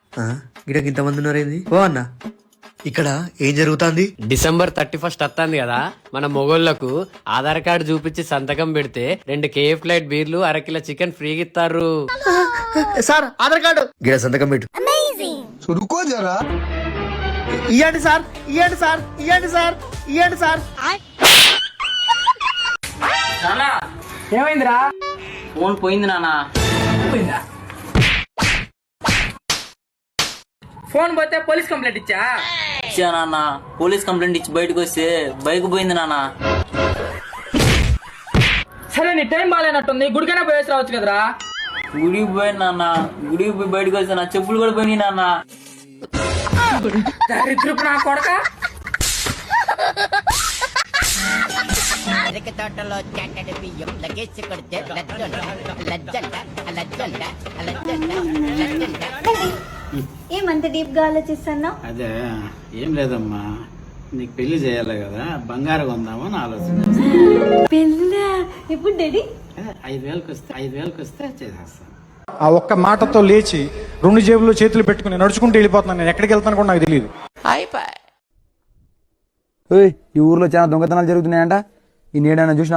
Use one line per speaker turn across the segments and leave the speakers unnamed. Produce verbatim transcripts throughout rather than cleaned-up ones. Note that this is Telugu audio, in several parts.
గిడకి ఇంతమంది ఉన్నారేంది? ఓ అన్న ఇక్కడ ఏం జరుగుతుంది?
డిసెంబర్ థర్టీ ఫస్ట్ వస్తుంది కదా, మన మొగోళ్లకు ఆధార్ కార్డు చూపించి సంతకం పెడితే రెండు కేఎఫ్ ఫ్లైట్ బీర్లు అరకిలో చికెన్ ఫ్రీగా ఇస్తారు.
సార్ ఆధార్ కార్డు గిడ సంతకం పెట్టు. ఇయ్యండి సార్, ఇయ్యండి సార్, ఇయ్యండి సార్, ఇయ్యండి సార్.
ఏమైందిరా?
ఫోన్ పోయింది నాన్న.
ఫోన్ పోతే పోలీస్ కంప్లైంట్ ఇచ్చా?
ఇచ్చా నాన్న. పోలీస్ కంప్లైంట్ ఇచ్చి బయటకు వస్తే బైక్ పోయింది నాన్న.
సరే నీ టైం బాగాలేనట్టుంది, గుడికైనా పోయేసి రావచ్చు కదరా.
గుడికి పోయింది నాన్న. గుడికి పోయి బయటకు వస్తే నా చెప్పులు కూడా పోయినాయి నాన్న.
దరిద్రపు నా కొడక.
అరటి తోటలో చెట్టడి బియ్యం లగేసి కొడితే లజ్జంట లజ్జంట లజ్జంట లజ్జంట లజ్జంట.
ఏమంత డీప్ గా ఆలోచిస్తున్నావు?
అదే ఏం లేదమ్మా, నీకు పెళ్లి చేయాలి కదా, బంగారం కొందామని ఆలోచన.
పెళ్ళా? ఇప్పుడు డాడీ
ఐదు వేలకు వస్తే ఐదు వేలకు వస్తే చేసేస్తాను.
ఆ ఒక్క మాటతో లేచి రెండు జేబుల్లో చేతులు పెట్టుకుని నడుచుకుంటూ వెళ్ళిపోతున్నాను. నేను ఎక్కడికి వెళ్తాను కూడా నాకు తెలియదు.
ఈ ఊర్లో చాలా దొంగతనాలు జరుగుతున్నాయంట. ఈ నీడైనా చూసినా?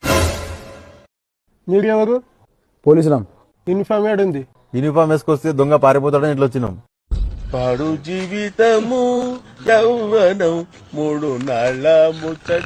నీడెవరు?
పోలీసులం.
యూనిఫామ్ ఏడుంది?
యూనిఫామ్ వేసుకొస్తే దొంగ పారిపోతాడని ఇట్లా వచ్చినాం.
పాడు జీవితము యౌవనం మూడు నాళ్ళ ముచ్చట.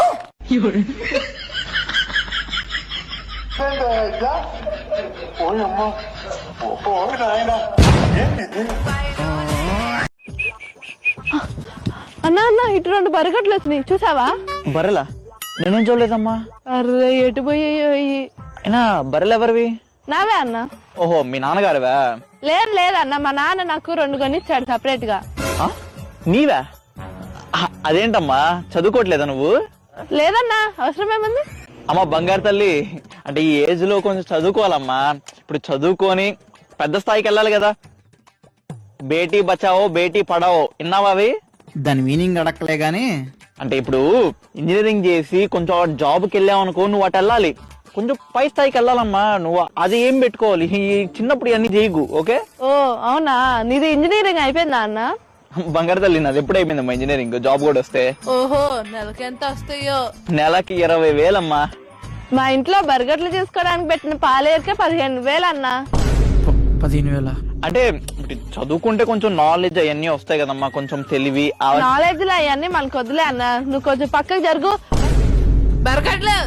అన్నా అన్న ఇటు రెండు బరగట్లు వచ్చినాయి, చూసావా?
బర్రెలా? నేనేం చూడలేదమ్మా.
అర్రే ఎటు పోయాయో ఇయ్యి.
అయినా బర్రెలు ఎవరివి?
నావే అన్న.
ఓహో మీ నాన్నగారువా?
లేదు లేదన్న, మా నాన్న నాకు రెండు కొనిచ్చాడు సపరేట్ గా.
నీవా? అదేంటమ్మా, చదువుకోవట్లేదా నువ్వు?
లేదన్నా, అవసరం ఏముంది?
అమ్మ బంగారు తల్లి, అంటే ఈ ఏజ్ లో కొంచెం చదువుకోవాలమ్మా. ఇప్పుడు చదువుకొని పెద్ద స్థాయికి వెళ్ళాలి కదా. బేటీ బచావో బేటీ పడావో విన్నావా అవి?
దాని మీనింగ్ అడక్కలే గాని,
అంటే ఇప్పుడు ఇంజనీరింగ్ చేసి కొంచెం జాబ్కి వెళ్ళావు అనుకో, నువ్వు అటు వెళ్ళాలి, కొంచెం పై స్థాయికి వెళ్ళాలమ్మా. నువ్వు అది ఏం పెట్టుకోవాలి, చిన్నప్పుడు ఇవన్నీ చేయకు. ఓకే?
ఓ అవునా, నీది ఇంజనీరింగ్ అయిపోయిందా అన్న?
బంగారు తల్లి నాది ఎప్పుడు అయిపోయిందమ్మా ఇంజనీరింగ్. జాబ్ కూడా వస్తే
ఓహో నెలకి ఎంత వస్తాయో?
నెలకి ఇరవై వేలమ్మా.
మా ఇంట్లో బర్గర్లు చేసుకోవడానికి పెట్టిన పాలేరుకే పదిహేను వేలు అన్న.
పదిహేను వేల
అంటే చదువుకుంటే కొంచెం నాలెడ్జ్ అవన్నీ వస్తాయి కదమ్మా, కొంచెం తెలివి.
నాలెడ్జ్ లో అవన్నీ మనకు వద్దులే అన్న, నువ్వు కొంచెం పక్కకు జరుగు. బర్గర్లు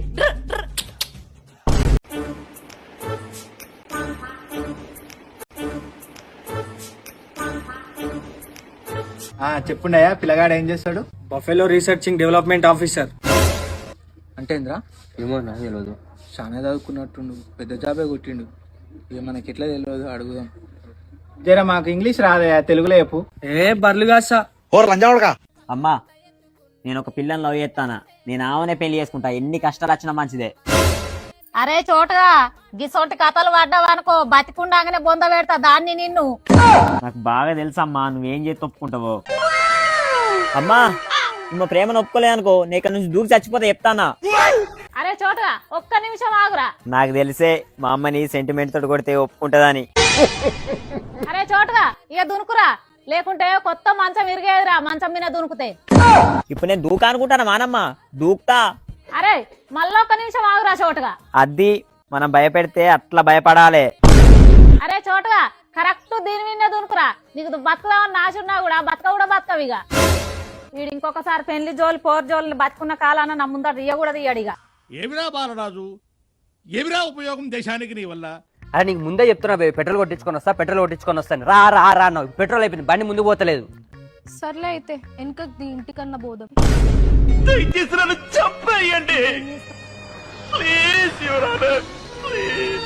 చెప్పుండయా పిల్లగాడు ఏం చేస్తాడు?
Buffalo research and development officer.
అంటే ఏంద్రా?
ఏమో నాకు తెలియదు.
చాలా చదువుకున్నట్టుండు, పెద్ద జాబే కొట్టిండు. ఇక మనకి ఎట్లా తెలియదు, అడుగుదాం.
జరా మాకు ఇంగ్లీష్ రాదయా, తెలుగులో చెప్పు.
ఏ బర్లుగా సా
అమ్మా, నేను ఒక పిల్లని లవ్ చేస్తానా, నేను ఆమెనే పెళ్లి చేసుకుంటా, ఎన్ని కష్టాలు వచ్చినా మంచిదే.
అరే చోటగా గిసోటి కథలు పడ్డావనుకో, బతికుండాగానే బొంద పెడతా దాన్ని నిన్ను.
నాకు బాగా తెలుసమ్మా నువ్వేం చేసి ఒప్పుకుంటావో. అమ్మా నువ్వు ప్రేమను ఒప్పుకోలే అనుకో, నీ ఇక్కడ నుంచి దూకి చచ్చిపోతే చెప్తానా.
అరే చోటగా ఒక్క నిమిషం ఆగురా.
నాకు తెలిసే మా అమ్మని సెంటిమెంట్ తోటి కొడితే ఒప్పుకుంటదని.
అరే చోటగా ఇక దునుకురా, లేకుంటే కొత్త మంచం విరిగేదిరా మంచం మీద దునుకుతే.
ఇప్పుడు నేను దూకా అనుకుంటానా మానమ్మ, దూకుతా.
అరే మళ్ళా ఒక్క నిమిషం ఆగురా చోటగా.
అది మనం భయపెడితే అట్లా భయపడాలి.
అరే చోటగా కరెక్ట్ దీని మీద దునుకురా, నీకు బతుకుదామని నాచున్నా కూడా బతక కూడా బతకవు. ఇక వీడు ఇంకొకసారి పెళ్లి జోలి పోర్ జోలి బతుకున్న కాలాన నా ముందట ఇయ్య కూడా తీయడిగా.
ఏమిరా బాలరాజు, ఏమిరా ఉపయోగం దేశానికి నీ వల్ల?
అరే నీకు ముందే చెప్తున్నా బే, పెట్రోల్ కొట్టించుకొని వస్తా పెట్రోల్ కొట్టించుకొని వస్తాను. రా రా రా అన్నావు, పెట్రోల్ అయిపోయింది, బండి ముందుకు పోతలేదు.
సర్లే అయితే వెనక ఇంటికన్నా పోదాం.
దయచేసి నన్ను చంపేయండి ప్లీజ్, యువరానర్ ప్లీజ్.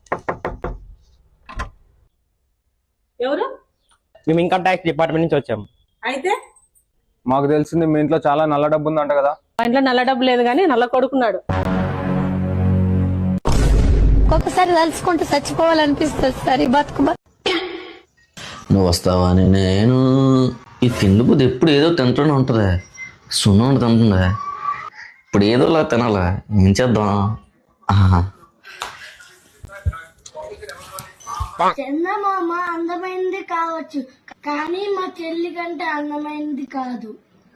ఎవరు?
మేము ఇన్కమ్ ట్యాక్స్ డిపార్ట్మెంట్ నుంచి వచ్చాము.
అయితే
మాకు తెలిసింది మీ ఇంట్లో చాలా నల్ల డబ్బు ఉందంట కదా.
మా ఇంట్లో నల్ల డబ్బు లేదు కానీ నల్ల కొడుకున్నాడు.
ఒక్కొక్కసారి తలుచుకుంటూ చచ్చిపోవాలనిపిస్తుంది. సరే బతుకు.
నువ్వు వస్తావని నేను ఈ తిండి బుద్ధి ఎప్పుడు ఏదో తింటూనే ఉంటుందా, సున్నం తింటుందా, ఇప్పుడు ఏదోలా తినాలా, ఏం చేద్దాం.
చందమామ అందమైంది కావచ్చు కానీ మా చెల్లి కంటే అందమైంది కాదు.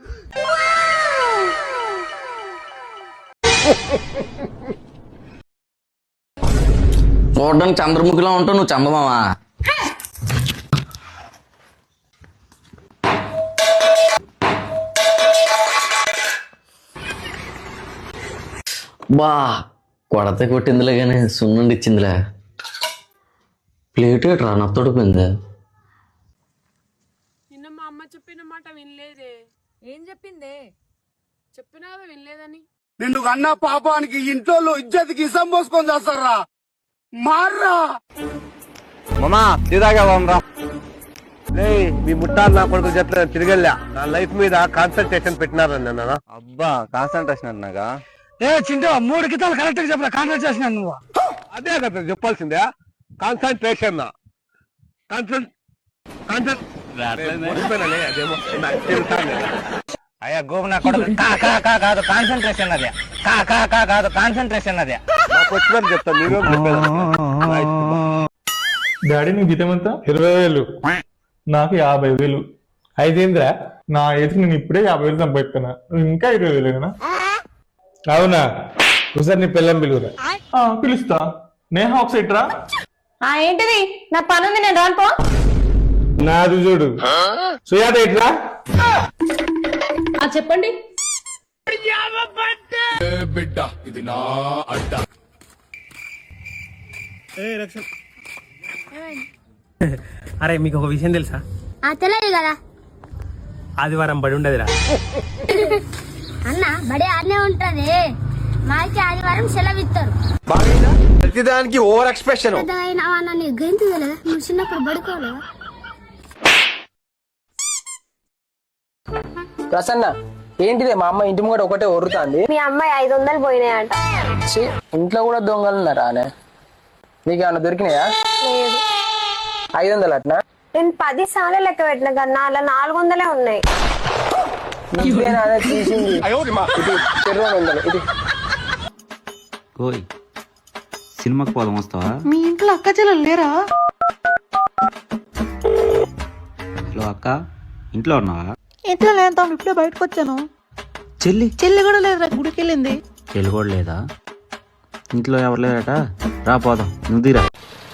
చూడడానికి చంద్రముఖిలా ఉంటావు, నువ్వు చందమామా? బా కొడత కొట్టిందిలే కానీ సున్నుండి ఇచ్చిందిలే. ప్లేట్ రా నత్తడిపోయింది.
నిన్న మా అమ్మ చెప్పిన మాట వినలేదే. ఏం చెప్పిందే? చెప్పినా వినలేదని.
నిన్ను కన్నా పాపానికి ఇంట్లో ఇజ్జతికి ఇసం పోసుకొని చేస్తారా? మార్రా
మామా తీరాగా రా. మీ ముట్టాలు నా కొడుకు చెప్పలేదు తిరిగెళ్ళా. నా లైఫ్ మీద కాన్సన్ట్రేషన్ పెట్టినారని అన్నా. అబ్బా కాన్సన్ట్రేషన్ అన్నాగా?
ఏ చింటూ మూడు గీతాలు కరెక్ట్ గా చెప్పరా కాన్సన్ట్రేట్ చేసినాను నువ్వు.
అదే కదా చెప్పాల్సిందే, కాన్సన్ట్రేషన్. అయ్యా గోపు నా కొడుకు కాదు కాన్సన్ట్రేషన్ అదే కాదు కాన్సన్ట్రేషన్ అదే వచ్చిందని చెప్తాను. నీవే
డాడీ నీ జీతం ఎంత? ఇరవై వేలు. నాకు యాభై వేలు. ఐదేంద్రా నా ఏజ్కి నేను ఇప్పుడే యాభై వేలు సంపాదిస్తున్నా, ఇంకా ఇరవై వేలు కదా? అవునా? ఒకసారి నీ పిల్లని పిలువురా. పిలుస్తా. నేహ ఒకసారి రా.
ఏంటిది? నా పని ఉంది, నేను రానుకో.
నాది చూడు. సుయాత ఇట్రా.
చెప్పండి.
బిడ్డ ఇది నా అడ్డ.
అరే మీకు ఒక విషయం తెలుసా?
తెలియదు కదా
ఆదివారం బడి ఉండదురా
అన్న. బడి ఆడనే ఉంటది, మాకి ఆదివారం సెలవు ఇస్తారు.
ప్రతిదానికి ఓవర్ ఎక్స్ప్రెషన్.
నీకు గంతు తెలియదా? నువ్వు చిన్నప్పుడు పడుకోలేదా?
ప్రసన్న ఏంటిదే మా అమ్మ ఇంటి ముంగట ఒకటే ఒర్రుతాంది.
మీ అమ్మాయి ఐదు వందలు పోయినాయంట.
ఇంట్లో కూడా దొంగలు ఉన్నారా? నీకు ఏమన్నా దొరికినాయా?
లేదు.
ఐదు వందలు అట్నా?
నేను పది సార్లు లెక్క పెట్టిన కన్నా అలా నాలుగు వందలే ఉన్నాయి.
అదే తీసింది. ఇది రెండు వందలు. ఇది
సినిమాకి పోదాం, వస్తావా?
మీ ఇంట్లో అక్క చెల్లెలు లేరా?
హలో అక్క, ఇంట్లో ఉన్నావా?
ఇంట్లో లేదు తమ్ముడు, ఇప్పుడే బయటకు వచ్చాను.
చెల్లి
చెల్లి కూడా లేదురా, గుడికి వెళ్ళింది.
చెల్లి కూడా లేదా? ఇంట్లో ఎవరు లేదట? రా పోదాం, నువ్వు తీరా.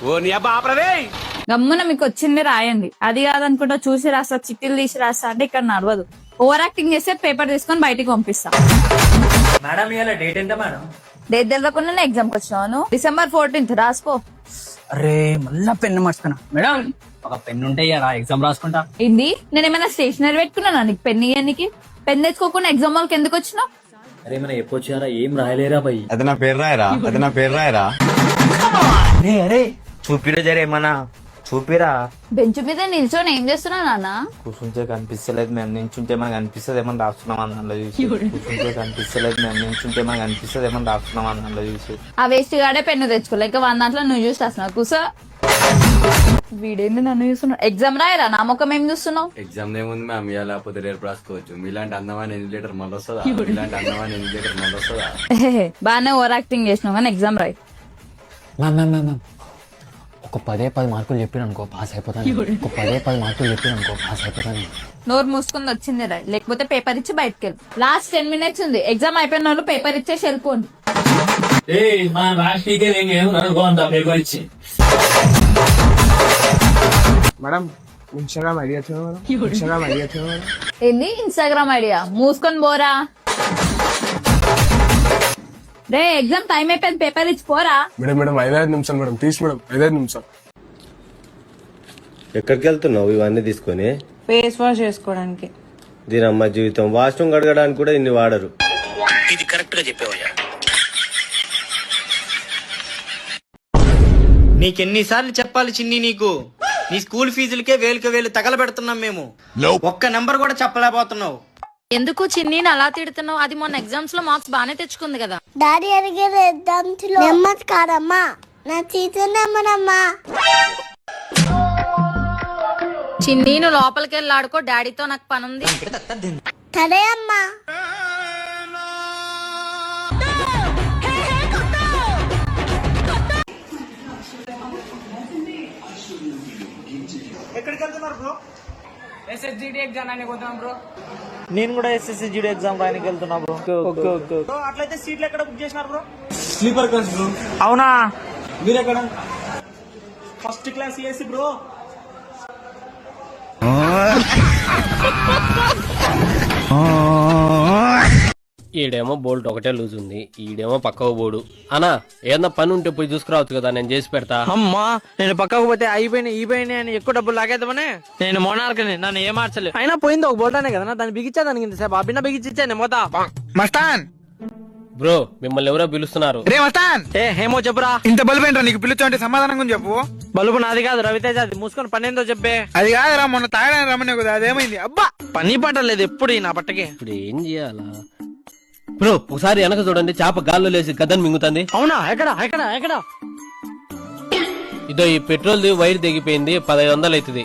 గమ్మున మీకు వచ్చింది రాయండి. అది కాదనుకుంటా చూసి రాస్తా, చిట్టీలు తీసి రాస్తా అంటే ఇక్కడ నడవదు. ఓవర్ యాక్టింగ్ చేస్తే పేపర్ తీసుకొని బయటికి పంపిస్తా.
మేడం ఇవాళ డేట్ ఎంత మేడం?
డేట్ తెలియకుండా ఎగ్జామ్ కి వచ్చినాను. డిసెంబర్ ఫోర్టీన్త్ రాసుకో.
అరే మళ్ళా పెన్ను మర్చిపోయినా. మేడం ఒక పెన్ను ఉంటే రా ఎగ్జామ్ రాసుకుంటా.
ఏంది? నేను ఏమైనా స్టేషనరీ పెట్టుకున్నానా నీకు పెన్ ఇయ్యనికి? పెన్ తెచ్చుకోకుండా ఎగ్జామ్ వాళ్ళకి ఎందుకు వచ్చినావు?
అరే మన ఎప్పొచ్చారా, ఏం రాయలేరా భయ్?
అది నా పేరు రాయరా, అది నా పేరు రాయరా.
అరే అరే చూపిరా జరే ఏమన్నా చూపిరా.
బెంచ్ మీద నిల్చొని ఏం చేస్తున్నావు నాన్న?
కూర్చుంటే కనిపిస్తలేదు మేము, నించుంటే మనకు అనిపిస్తుంది ఏమన్నా రాస్తున్నాం అని అందులో చూసి. కూర్చుంటే కనిపిస్తలేదు మేము, నించుంటే మనకు అనిపిస్తుంది ఏమన్నా రాస్తున్నాం అని అందులో చూసి.
ఆ వేస్ట్ గాడే పెన్ను తెచ్చుకోలే, ఇంకా వన్ దాంట్లో నువ్వు చూసి రాస్తున్నావు. కూసో. వీడేంది నన్ను చూస్తున్నావు? ఎగ్జామ్ రాయరా, నా ముఖం ఏం చూస్తున్నావు?
ఎగ్జామ్ ఏముంది మ్యామ్, ఇవాళ లేకపోతే రేపు రాసుకోవచ్చు. మీలాంటి అందమైన ఎన్నిలేటర్ మళ్ళీ వస్తుందా? మీలాంటి అందమైన ఎన్నిలేటర్ మళ్ళీ వస్తుందా?
బాగానే ఓవర్ యాక్టింగ్ చేసినావు కానీ ఎగ్జామ్ రాయి.
మ్యామ్ మ్యామ్ మ్యామ్ ఒక పదే పది మార్కులు చెప్పిన అనుకో పాస్ అయిపోతాను. ఒక పదే పది మార్కులు చెప్పిన అనుకో పాస్ అయిపోతాను.
నోరు మూసుకుంది వచ్చింది రాయి, లేకపోతే పేపర్ ఇచ్చి బయటకు వెళ్ళి. లాస్ట్ టెన్ మినిట్స్ ఉంది, ఎగ్జామ్ అయిపోయిన వాళ్ళు పేపర్ ఇచ్చేసి వెళ్ళిపోండి.
Madam Instagram idea Instagram idea
ఏంది ఇన్స్టాగ్రామ్ ఐడియా? మూసుకొని పోరా. రే ఎగ్జామ్ టైం అయిపోయింది, పేపర్ ఇచ్చి పోరా.
మేడం మేడం ఐదైదు నిమిషాలు మేడం, ప్లీజ్ మేడం ఐదైదు నిమిషాలు.
ఎక్కడికి వెళ్తున్నావు ఇవన్నీ తీసుకొని?
ఫేస్ వాష్ చేసుకోవడానికి.
దీని అమ్మ జీవితం, వాష్రూమ్ కడగడానికి కూడా ఇన్ని వాడరు.
ఇది కరెక్ట్ గా చెప్పేవయ్యా. నీకెన్నిసార్లు చెప్పాలి చిన్ని నీకు? నీ స్కూల్ ఫీజులకే వేలుక వేలు తగలబెడుతున్నాం మేము, ఒక్క నెంబర్ కూడా చెప్పలేకపోతున్నావు.
ఎందుకు చిన్ని అలా తిడుతున్నావు? అది మొన్న ఎగ్జామ్స్ లో మార్క్స్ బాగానే తెచ్చుకుంది కదా.
డాడీ అడిగారు ఎగ్జామ్స్ లో నెమ్మది కాదమ్మా, నా టీచర్ నెంబర్ అమ్మా.
చిన్ని నువ్వు లోపలికి వెళ్ళి ఆడుకో, డాడీతో నాకు పని ఉంది.
సరే అమ్మా.
ఎక్కడికి వెళ్తున్నారు బ్రో?
ఎస్ఎస్జిడి ఎగ్జామ్ అని పోతాం బ్రో.
నేను కూడా ఎస్ఎస్సి జీడీ ఎగ్జామ్ రాయడానికి వెళ్తున్నా బ్రో.
బ్రో అట్లయితే సీట్లు ఎక్కడ బుక్ చేసినారు బ్రో?
Sleeper class bro.
అవునా?
మీరు ఎక్కడ?
First class AC bro.
ఈడేమో బోల్ట్ ఒకటే లూజ్ ఉంది, ఈడేమో పక్కకు పోడు. అనా ఏదన్నా పని ఉంటే పోయి చూసుకురావచ్చు కదా, నేను చేసి పెడతా.
అమ్మా నేను పక్కకు పోతే అయిపోయినాయి ఈపోయినాయి అని ఎక్కువ డబ్బులు లాగేద్దామనే నేను మోనార్కని నన్ను ఏ మార్చలేదు. అయినా పోయింది ఒక బోల్టానే కదా, దాన్ని బిగించా దానికి ఇంతసేపు ఆ బిన్న బిగించాను మొత్తం.
మస్తాన్
బ్రో మిమ్మల్ని ఎవరో పిలుస్తున్నారు.
రే మస్తాన్,
ఏ హేమో చెప్పురా.
ఇంత బల్బు ఏంట్రా నీకు? పిలుచుంటే సమాధానంగా చెప్పు.
బలుపు నాది కాదు రవితేజ, అది మూసుకొని పని ఏందో చెప్పే.
అది కాదురా, మొన్న తాగడానికి రమ్మనే కదా, అదేమైంది? అబ్బా
పని పట్టలేదు ఎప్పుడు ఈ నా పట్టకి.
ఇప్పుడు ఏం చేయాలా బ్రో? ఒకసారి వెనక చూడండి, చేప గాల్లో లేసి గదని మింగుతుంది.
అవునా? ఎక్కడ ఎక్కడ ఎక్కడ?
ఇదో ఈ పెట్రోల్ ది వైర్ తెగిపోయింది, పదహైదు వందలు అవుతుంది.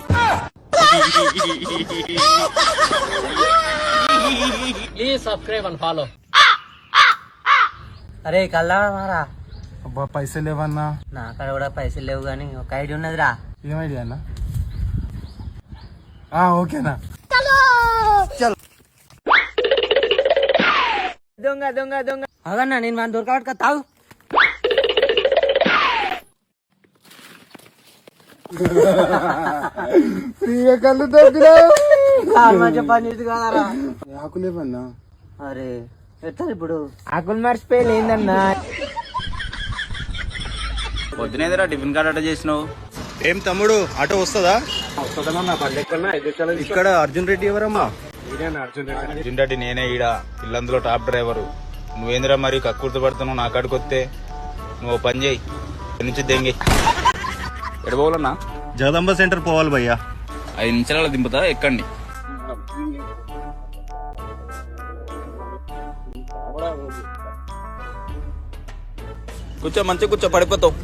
Please subscribe and follow.
అరే కల్లా మారా.
అబ్బా పైసలు లేవన్నా.
నా కాడ కూడా పైసలు లేవు గానీ ఒక ఐడియా ఉన్నదిరా.
ఏం ఐడియా అన్నా? ఓకేనా?
దొంగ దొంగ దొంగ అదన్నా నేను మన దొరకబట్టుక తాగు.
ఫ్రీగా కళ్ళు దొరికినా
మంచిగా పని చేసి కాదారా.
ఆకులేవన్నా?
అరే ఎట్లా ఇప్పుడు ఆకులు మర్చిపోయి లేదన్నా.
పొద్దునేదిరా టిఫిన్ కార్డ్ ఆర్డర్ చేసినావు?
ఏం తమ్ముడు ఆటో వస్తుందా? ఇక్కడ అర్జున్ రెడ్డి ఎవరమ్మా?
అర్జున్ రెడ్డి నేనే ఈడ ఇల్లందులో టాప్ డ్రైవరు. నువ్వేందిరా మరి కక్కుర్తి పడుతున్నావు నా కాడికి వస్తే? నువ్వు పని చేయి, నుంచి దెంగి ఎడబోలన్నా.
జగదంబ సెంటర్ పోవాలి భయ్యా.
ఐదు నిమిషాల దింపుతా, ఎక్కండి. కూర్చో, మంచిగా కూర్చో, పడిపోతావు.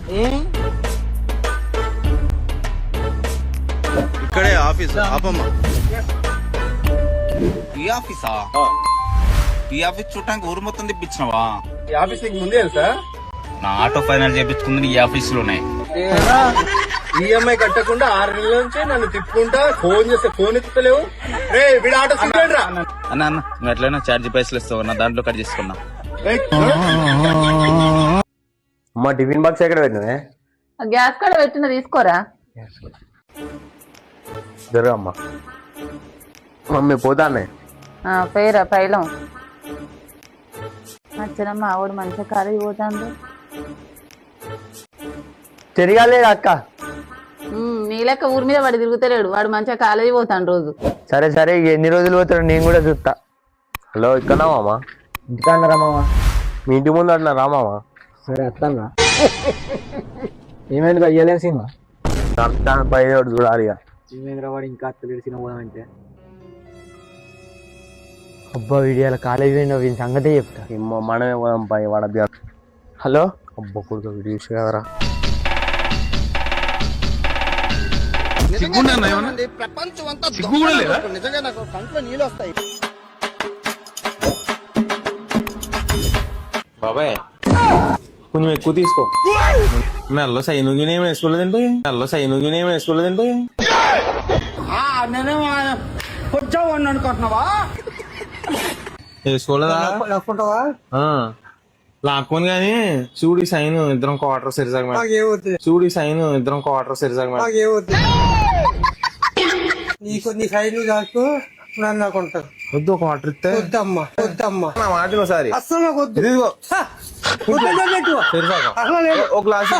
ఇక్కడే ఆఫీస్ ఆపమ్మా.
ఈ ఆఫీసా? ఈ ఆఫీస్ చూడటానికి ఊరు మొత్తం తెప్పించినవా?
ఈ ఆఫీస్ నీకు ముందే తెలుసా?
నా ఆటో ఫైనల్ చేపించుకుంది ఈ ఆఫీస్ లోనే.
ఈఎంఐ కట్టకుండా ఆరు నెలల నుంచి నన్ను తిప్పుకుంటా ఫోన్ చేస్తే ఫోన్ ఎత్తుతలేవు. రే వీడు ఆటో సిగ్గురా.
అన్న అన్న నువ్వు ఎట్లయినా ఛార్జ్ పైసలు ఇస్తావు, నా దాంట్లో కట్ చేసుకున్నా.
అమ్మా టిఫిన్ బాక్స్ ఎక్కడ పెట్టినవే?
గ్యాస్ కాడ పెట్టిన తీసుకోరా.
జరగమ్మా. మమ్మీ పోతానే.
పేరా పైలం నచ్చనమ్మా ఆవిడ మంచిగా కాలేజీ పోతాండు.
తిరగాలేదు అక్క.
నీ లెక్క ఊరి మీద వాడు తిరుగుతలేడు, వాడు మంచిగా కాలేజీ పోతాడు రోజు.
సరే సరే ఎన్ని రోజులు పోతాడు నేను కూడా చూస్తా. హలో ఇక్కడ మామా? ఇంటికా అన్నారా మామా? మీ ఇంటి ముందు అంటున్నా రామామా? సరే అట్లా. ఏమైంది అయ్యలేని సినిమా పై చూడాలి. ఏమైందిరా వాడు ఇంకా అత్తలేడు సినిమా పోదామంటే? అబ్బా వీడియాల కాలేజీ వీడి సంగతే చెప్తా. ఏమో మనమే పోదాం పై వాడ. హలో అబ్బా కొడుకు వీడియో కదరా.
ప్రపంచం అంతా నిజంగా నాకు కంట్లో నీళ్ళు వస్తాయి.
బాబాయ్ కొంచెం ఎక్కువ తీసుకో. మెల్లో సైనుగిని ఏమి వేసుకోలేదండి. మెల్లో సైనుగిని ఏమి వేసుకోలేదండి.
నేనే కొంచెం అనుకుంటున్నావా?
వేసుకోలేదా? లాక్కోని గానీ చూడి సైన్ ఇద్దరం క్వార్టర్ సరిసాగ. చూడి సైన్ ఇద్దరం క్వార్టర్ సరిసాగ.
నీకు నీ సైడ్ కాకు నన్ను అనుకుంటారు.
వద్దు ఒక వాటర్ ఇస్తే.
వద్దమ్మా వద్దమ్మా
నా మాట ఒకసారి.
అస్సలు నాకు వద్దు.
ఒక గ్లాస్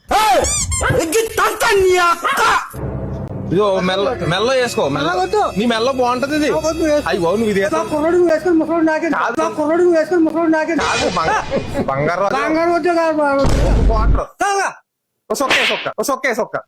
ఇదో మెల్ల మెల్ల వేసుకో. మెల్ల నీ మెల్ల బాగుంటది ఇది. అయ్యి బాబు నువ్వు ఇది
కుర్రోడు వేసుకొని ముసలోడు నాకే కుర్రోడు వేసుకొని ముసలోడు నాకే
బంగారు
బంగారు వద్దు కాదు
వాటర్ సొక్క సొక్క సొక్క సొక్క